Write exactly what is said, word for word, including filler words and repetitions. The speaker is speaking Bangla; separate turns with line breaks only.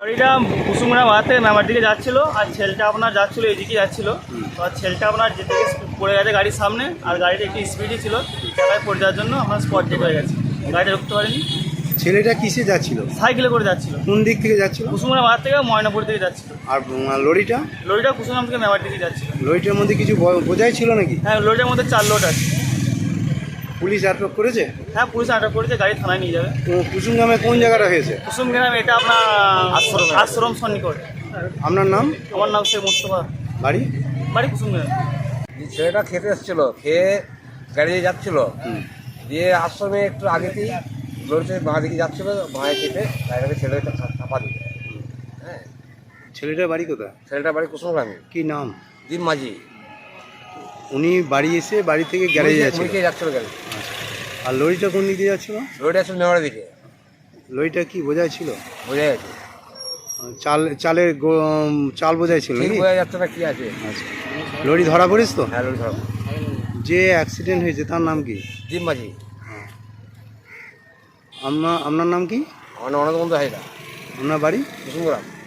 গাড়িটা কুসুমগ্রাম বাজার থেকে মেমার দিকে যাচ্ছিল আর ছেলেটা আপনার যাচ্ছিল এইদিকে যাচ্ছিল। তো আর ছেলেটা আপনার যেতে পড়ে গেছে গাড়ির সামনে, আর গাড়িটা একটু স্পিডই ছিল, জায়গায় পড়ে যাওয়ার জন্য আপনার স্পট ডেট হয়ে গেছে, গাড়িটা রুখতে পারেনি।
ছেলেটা কিসে যাচ্ছিল?
সাইকেলে করে যাচ্ছিল।
কোন দিক থেকে যাচ্ছিল?
কুসুমগ্রাম বাজার থেকে ময়নাপুর দিকে যাচ্ছিল।
আর লরিটা?
লরিটা কুসুমগ্রাম থেকে মেমার দিকে যাচ্ছিল।
লরিটার মধ্যে কিছু ব- বোঝাই ছিল নাকি?
হ্যাঁ, লরিটার মধ্যে চার লোড আছে।
পুলিশ আটক করেছে?
হ্যাঁ, পুলিশ আটক করেছে, গাড়ি থানায় নিয়ে যাবে।
তো কুসুমগ্রামে কোন জায়গাটা হয়েছে?
কুসুমগ্রাম এটা আপনার আশ্রম আশ্রম সন্নিকট।
আপনার নাম?
আমার নাম শেখ মুস্তফা,
বাড়ি?
বাড়ি কুসুমগ্রাম।
ছেলেটা খেতে এসেছিল, খেয়ে গাড়ি দিয়ে যাচ্ছিল, দিয়ে আশ্রমে একটু আগেতেই লরিতে বাঁ দিকে যাচ্ছিল, বাঁয়ে চেপে গাড়িটাকে ছেলেটা চাপা দিল। হ্যাঁ,
ছেলেটার বাড়ি কোথায়?
ছেলেটার বাড়ি কুসুমগ্রামে।
কি নাম?
দীপ মাঝি।
উনি বাড়ি এসে বাড়ি থেকে গ্যারেজে যাচ্ছিল?
মুড়িকে যাচ্ছিল গাড়ি।
আর লরিটা কোন দিকে যাচ্ছিল?
লরিটা আসলে নেওয়ার দিকে।
লরিটা কি বোঝাই ছিল?
বোঝা যাচ্ছে,
চাল চালের গো- চাল বোঝাই ছিল
ঠিক
নাকি?
বোঝা যাচ্ছে না কি আছে।
আচ্ছা, লরি ধরা পড়িস তো?
হ্যাঁ, লরি ধরা।
যে অ্যাক্সিডেন্ট হয়েছে তার নাম কি?
দীপ মাঝি।
আপনার আপনার নাম কি?
আমার অনেক বন্ধু হয় না,
আপনার বাড়ি?
কুসুমগ্রাম।